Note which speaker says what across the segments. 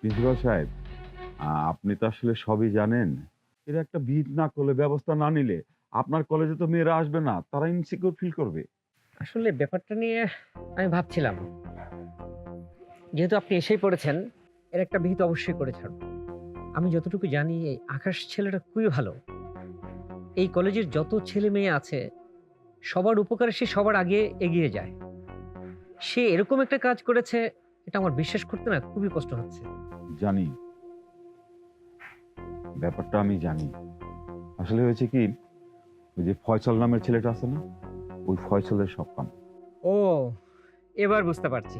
Speaker 1: Principal সাহেব, আপনি তো আসলে সবই জানেন। এর একটা বিহিত না করলে, ব্যবস্থা না নিলে আপনার কলেজে তো মেয়েরা আসবে না, তারা ইনসিকিউর ফিল করবে।
Speaker 2: আসলে ব্যাপারটা নিয়ে আমি ভাবছিলাম, যেহেতু আপনি এসেই পড়েছেন, এর একটা বিহিত অবশ্যই করে ছাড়ব। আমি যতটুকু জানি এই আকাশ ছেলেটা খুবই ভালো। এই কলেজের যত ছেলে মেয়ে আছে সবার উপকারে সে সবার আগে এগিয়ে যায়। সে এরকম একটা কাজ করেছে, এটা আমার বিশ্বাস করতে না খুবই কষ্ট হচ্ছে।
Speaker 1: জানি, ব্যাপারটা আমি জানি। আসলে হয়েছে কি, ওই যে ফয়সাল নামের ছেলেটা আছে না, ওই ফয়সালের সব কাম।
Speaker 2: ও, এবার বুঝতে পারছি।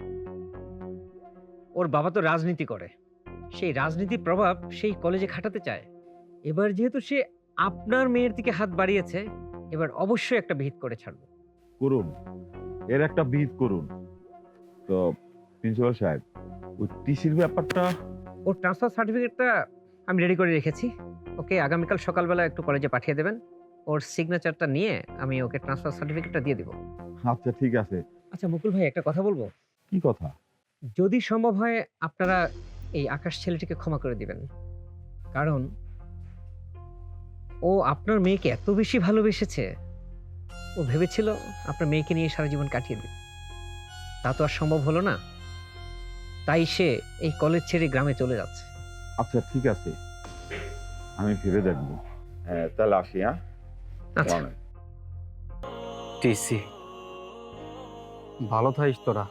Speaker 2: ওর বাবা তো রাজনীতি করে, সেই রাজনীতির প্রভাব সেই কলেজে খাটাতে চায়। এবার যেহেতু সে আপনার মেয়ের দিকে হাত বাড়িয়েছে, এবার অবশ্যই একটা বিহিত করে ছাড়বো।
Speaker 1: করুন, এর একটা বিহিত করুন। তো প্রিন্সিপাল সাহেব, ওই টিসির ব্যাপারটা।
Speaker 2: ওর ট্রান্সফার সার্টিফিকেটটা আমি রেডি করে রেখেছি। ওকে আগামীকাল সকালবেলা একটু কলেজে পাঠিয়ে দেবেন। ওর সিগনেচারটা নিয়ে আমি ওকে ট্রান্সফার সার্টিফিকেটটা দিয়ে দিব।
Speaker 1: আচ্ছা, ঠিক আছে।
Speaker 2: আচ্ছা মুকুল ভাই, একটা কথা বলবো?
Speaker 1: কি কথা?
Speaker 2: যদি সম্ভব হয় আপনারা এই আকাশ ছেলেটিকে ক্ষমা করে দিবেন। কারণ ও আপনার মেয়েকে এত বেশি ভালোবেসেছে, ও ভেবেছিল আপনার মেয়েকে নিয়ে সারা জীবন কাটিয়ে দেবে। তা তো আর সম্ভব হলো না। তাই সে এই কলেজ ছেড়ে গ্রামে চলে যাচ্ছে।
Speaker 1: আচ্ছা, ঠিক আছে, আমি ভেবে দেখবো। হ্যাঁ, তাহলে আসি। হ্যাঁ,
Speaker 2: আচ্ছা,
Speaker 3: টিসি ভালো থাকিস তোরা,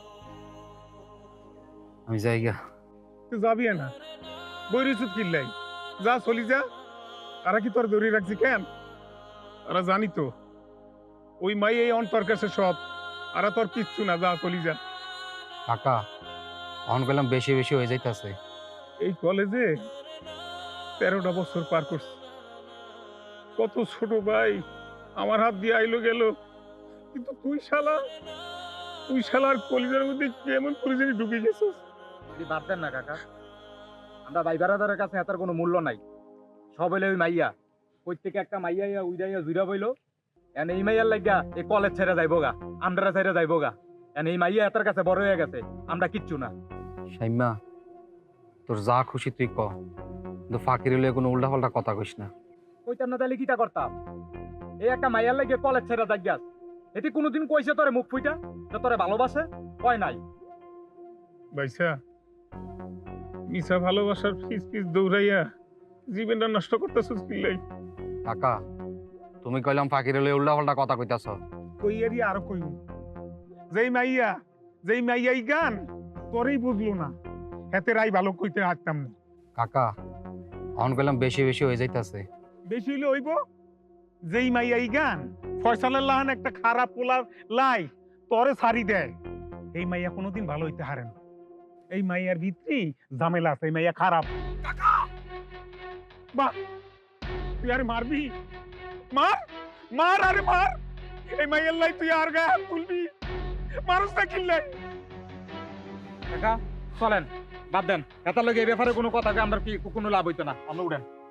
Speaker 3: আমি যাইগা।
Speaker 4: তুই যাবি না, বই রইছুত কিল্লাই, যা চলি যা। তারা কি তোর ধরে রাখছি কেন? তারা জানি তো ওই মাই এই অন্তর কাছে সব, আর তোর কিচ্ছু না, যা চলি যা।
Speaker 3: কাকা অন গেলাম বেশি বেশি হয়ে যাইতাছে।
Speaker 4: এই কলেজে 13টা বছর পার করছি। কত ছোট ভাই আমার হাত দিয়ে আইলো গেল, কিন্তু তুই শালার কলেজের মধ্যে কেমন করে জানি ঢুকে গেছিস।
Speaker 5: বাদ দেন না কাকা, আমরা ভাই বারাদারের কাছে এটার কোনো মূল্য নাই। সব হইলে ওই মাইয়া, কই থেকে একটা মাইয়া উইদাইয়া জুইরা বইলো, এন এই মাইয়ার লাগিয়া এই কলেজ ছেড়ে যাইবো গা, আমরা ছেড়ে যাইবো গা। এন এই মাইয়া এটার কাছে বড় হয়ে গেছে, আমরা কিচ্ছু না।
Speaker 3: সাইমা, তোর যা খুশি তুই ক, কিন্তু ফাঁকির হলে কোনো উল্টা পাল্টা কথা কইস না।
Speaker 5: কইতাম না তাহলে কিটা করতাম? এই একটা মাইয়ার লাগিয়া কলেজ ছেড়ে যাইয়াস, এটি কোনোদিন কইছে তোরে মুখ ফুইটা যে তোরে ভালোবাসে? কয় নাই।
Speaker 4: ভাইসা, মিশা ভালোবাসার ফিস ফিস দৌড়াইয়া জীবনটা নষ্ট করতেছিস কিল্লাই।
Speaker 3: কাকা তুমি কইলাম ফাঁকির হলে উল্টা পাল্টা কথা কইতাছ।
Speaker 4: কইয়ারি আর কইব, যেই মাইয়াই গান তোরই বুঝলো না, হেতে রাই ভালো কইতে হাঁটতাম না।
Speaker 3: কাকা অন গেলাম বেশি বেশি হয়ে যাইতাছে।
Speaker 4: বেশি হইলে হইব, যেই মাইয়াই গান ফয়সালের লাহান একটা খারাপ পোলার লাই তরে সারি দেয়, এই মাইয়া কোনোদিন ভালো হইতে হারে না। এই মাইয়ার ভিতরে ঝামেলা আছে, এই মাইয়া খারাপ। কাকা বাহ, তুই আরে মারবি, মার মার, আরে মার। এই মাইয়ার লাই তুই আর গায়ে হাত তুলবি, মানুষ না কিনলাই।
Speaker 5: কাকা চলেন, বাদ দেন, এটার লগে এই ব্যাপারে কোনো কথা আমরা কি কোনো লাভ হইতো না, আমরা উঠেন।